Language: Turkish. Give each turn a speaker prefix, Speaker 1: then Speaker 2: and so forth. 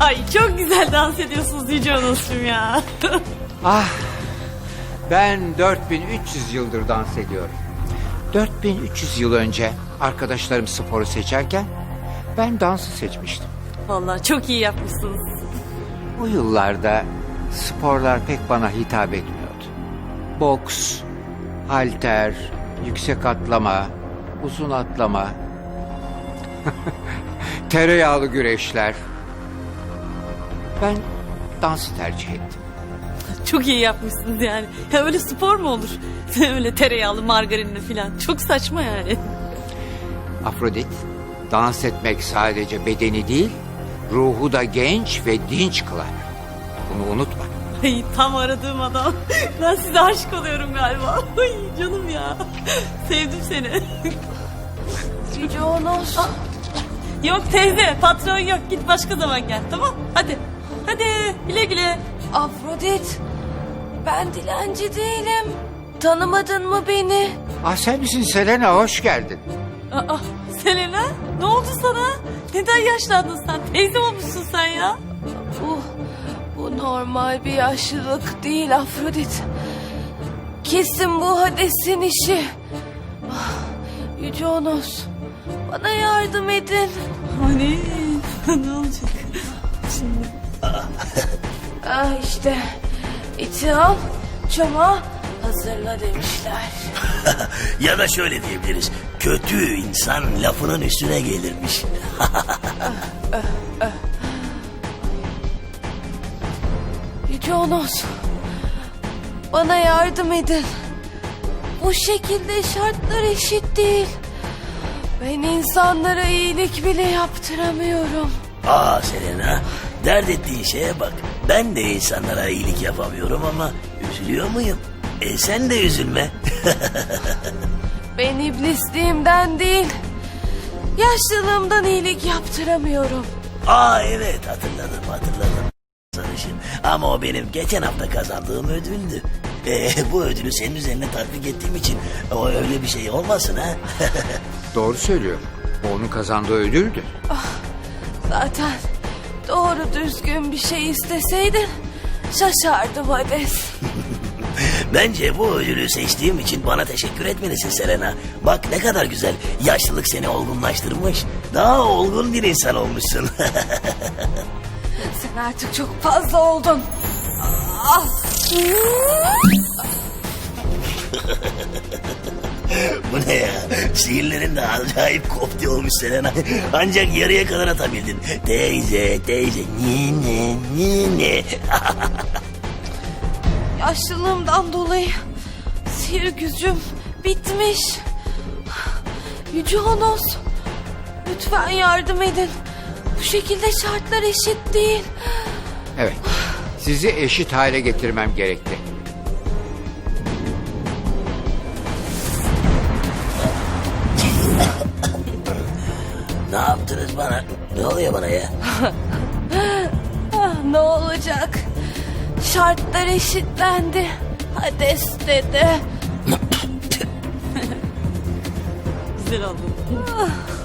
Speaker 1: Ay çok güzel dans ediyorsunuz Yüce Onos'cum ya.
Speaker 2: Ah, ben 4300 yıldır dans ediyorum. 4300 yıl önce arkadaşlarım sporu seçerken ben dansı seçmiştim.
Speaker 1: Vallahi çok iyi yapmışsınız.
Speaker 2: O yıllarda sporlar pek bana hitap etmiyordu. Boks, halter, yüksek atlama, uzun atlama, tereyağlı güreşler. Ben dansı tercih ettim.
Speaker 1: Çok iyi yapmışsınız yani. Ya öyle spor mu olur? Öyle tereyağlı margarinli falan. Çok saçma yani.
Speaker 2: Afrodit, dans etmek sadece bedeni değil, ruhu da genç ve dinç kılar. Bunu unutma.
Speaker 1: Ay tam aradığım adam. Ben size aşık oluyorum galiba. Ay canım ya. Sevdim seni.
Speaker 3: Yüce Onos.
Speaker 1: Yok teyze patron yok. Git başka zaman gel tamam. Hadi. Hadi güle güle.
Speaker 3: Afrodit. Ben dilenci değilim. Tanımadın mı beni?
Speaker 2: Ah sen misin Selena, hoş geldin.
Speaker 1: Aa, Selena ne oldu sana? Neden yaşlandın sen? Teyze olmuşsun sen ya.
Speaker 3: Bu normal bir yaşlılık değil Afrodit. Kesin bu Hades'in işi. Yüce Onos. Bana yardım edin.
Speaker 1: Hani ne olacak? Şimdi.
Speaker 3: İşte iti al, çama hazırla demişler.
Speaker 4: Ya da şöyle diyebiliriz. Kötü insan lafının üstüne gelirmiş.
Speaker 3: Yüce Onos. Bana yardım edin. Bu şekilde şartlar eşit değil. Ben insanlara iyilik bile yaptıramıyorum.
Speaker 4: Selena, dert ettiğin şeye bak. Ben de insanlara iyilik yapamıyorum ama üzülüyor muyum? Sen de üzülme.
Speaker 3: Ben iblisliğimden değil, yaşlılığımdan iyilik yaptıramıyorum.
Speaker 4: Evet, hatırladım. Sarışın. Ama o benim geçen hafta kazandığım ödüldü. Bu ödülü senin üzerine tatbik ettiğim için o öyle bir şey olmasın ha.
Speaker 2: Doğru söylüyor. O onun kazandığı ödüldü.
Speaker 3: Zaten doğru düzgün bir şey isteseydin şaşardım Hades.
Speaker 4: Bence bu ödülü seçtiğim için bana teşekkür etmelisin Selena. Bak ne kadar güzel. Yaşlılık seni olgunlaştırmış. Daha olgun bir insan olmuşsun.
Speaker 3: Sen artık çok fazla oldun.
Speaker 4: Bu ne ya? Sihirlerin de acayip kopti olmuş Selena. Ancak yarıya kadar atabildin. Teyze, nine.
Speaker 3: Yaşlılığımdan dolayı sihir gücüm bitmiş. Yüce Onos, lütfen yardım edin. Bu şekilde şartlar eşit değil.
Speaker 2: Evet, sizi eşit hale getirmem gerekti.
Speaker 4: Ne yaptınız bana? Ne oluyor bana ya?
Speaker 3: Ne olacak? Şartlar eşitlendi. Hades dedi.
Speaker 1: Güzel oldu.